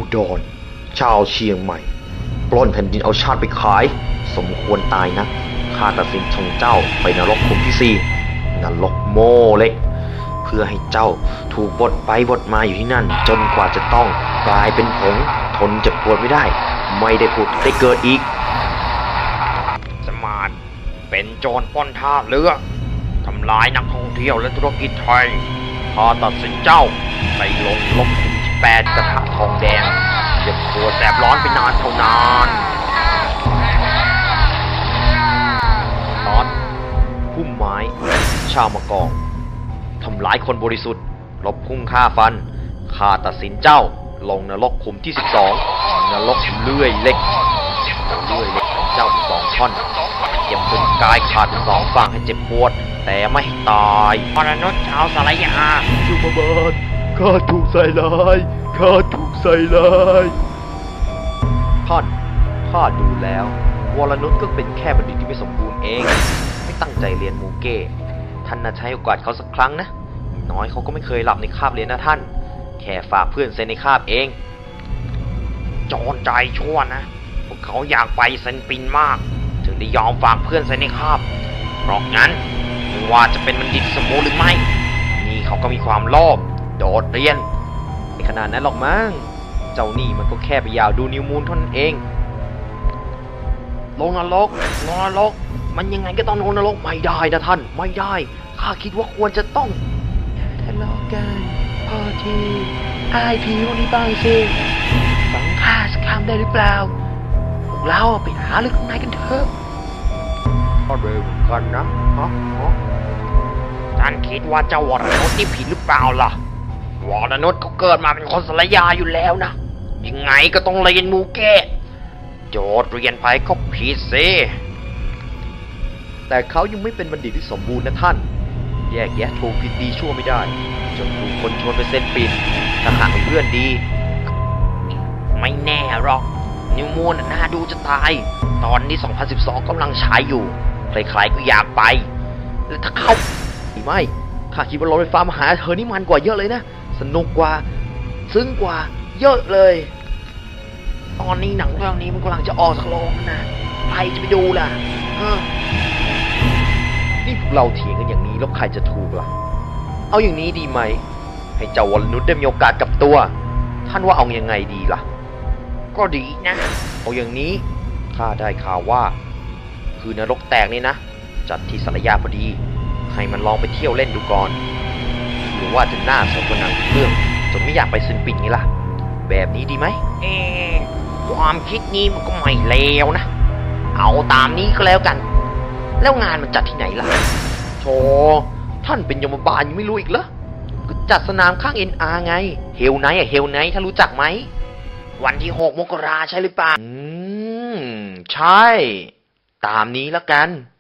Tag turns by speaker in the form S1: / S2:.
S1: ดรชาวเชียงใหม่ปล้นแผ่นดินเอาชาติไปขายสมควรตายนะข้าตัดสินส่งเจ้าไปนรกขุมที่4นรกโมเล็กเพื่อให้เจ้าถูกบดไปบดมาอยู่ที่นั่นจนกว่าจะต้องกลายเป็นผงทนเจ็บปวดไม่ได้ไม่ได้ผุดได้เกิดอีก
S2: สมานเป็นโจรปล้นท่าเรือทำลายนักท่องเที่ยวและธุรกิจไทยพอตัดสินเจ้าไปลงลบขุมที่8กระทะทองแดงเจ็บปวดแสบร้อนไปนานเท่านาน
S1: ตอนพุ่มไม้ชาวมะกองทำร้ายคนบริสุทธิ์ลบพุ่งฆ่าฟันข้าตัดสินเจ้าลงนรกขุมที่12นรกเลื่อยเล็กเลื่อยเล็กของเจ้าเป็น2ท่อนเจ็บจนกายขาดเป็น2ฝั่งให้เจ็บปวดแต่ไม่ตาย
S2: มนุษย์ชาวสารยา
S1: สุภบาลข้าถูกใส่ร้ายข้าถูกใส่ร้ายท่านข้าดูแล้ววรนุชก็เป็นแค่บัณฑิตที่ไม่สมบูรณ์เองไม่ตั้งใจเรียนมูเก้ท่านน่าใช้โอกาสเขาสักครั้งนะน้อยเขาก็ไม่เคยหลับในคาบเรียนนะท่านแค่ฝากเพื่อนเซ็นในคาบเอง
S2: โจรใจชั่วนะพวกเขาอยากไปเซนปินมากถึงได้ยอมฝากเพื่อนเซ็นในคาบเพราะงั้นไม่ว่าจะเป็นบัณฑิตสมบูรณ์หรือไม่นี่เขาก็มีความโลภโดดเรียน
S1: ในขนาดนั้นหรอกมั้งเจ้านี่มันก็แค่ไปยาวดูนิวมูนเท่านั้นเอง
S2: ลงนรกมันยังไงก็ต้องลงนรกไม่ได้นะท่านไม่ได้ข้าคิดว่าควรจะต้อง
S3: ทะเลาะกันพอทีอายผิวนี่บ้างสิฟังข้าสักคำได้หรือเปล่าพวกเราไปหาเรื่องข้างในกันเถอะ
S1: ก็เร็วกันนะ
S2: ท่านคิดว่าเจ้าวรนุชนี่ผิดหรือเปล่าล่ะวรนุชเขาเกิดมาเป็นคนสารยาอยู่แล้วนะยังไงก็ต้องเรียนมูเก้โจทย์เรียนไปก็ผิดสิ
S1: แต่เขายังไม่เป็นบัณฑิตที่สมบูรณ์นะท่านแยกแยะถูกผิดดีชั่วไม่ได้จนถูกคนชวนไปเส้นปิดถ้าหากเป็นเพื่อนดี
S2: ไม่แน่หรอกนิวมูนน่าดูจะตายตอนนี้2012กำลังฉายอยู่ใครๆก็อยากไปแล้วถ้าเขา
S1: ไม่ข้าคิดว่ารถไฟฟ้ามาหาเธอนี่มันกว่าเยอะเลยนะสนุกกว่าซึ้งกว่าเยอะเลย
S2: ตอนนี้หนังเรื่องนี้มันกำลังจะออกจากโรงนะใครจะไปดูล่ะ
S1: นี่พวกเราเถียงกันอย่างนี้แล้วใครจะถูกล่ะเอาอย่างนี้ดีไหมให้เจ้าวรนุชได้มีโอกาสกับตัวท่านว่าเอายังไงดีล่ะ
S2: ก็ดีนะ
S1: เอาอย่างนี้ข้าได้ข่าวว่าคือนรกแตกนี่นะจัดที่สารยาพอดีให้มันลองไปเที่ยวเล่นดูก่อนหรือว่าจะน่าสนกว่าหนังเรื่องจนไม่อยากไปซึนปิ่นนี่ล่ะแบบนี้ดีไหม
S2: ความคิดนี้มันก็ไม่เลวนะเอาตามนี้ก็แล้วกันแล้วงานมันจัดที่ไหนล่ะ
S1: โธ่ท่านเป็นยมบาลยังไม่รู้อีกเหรอก็จัดสนามข้าง NR ไงเฮลไนท์เฮลไนท์ถ้ารู้จักไหม
S2: วันที่6 มกราใช่หรือเปล่า
S1: ใช่ตามนี้แล้วกัน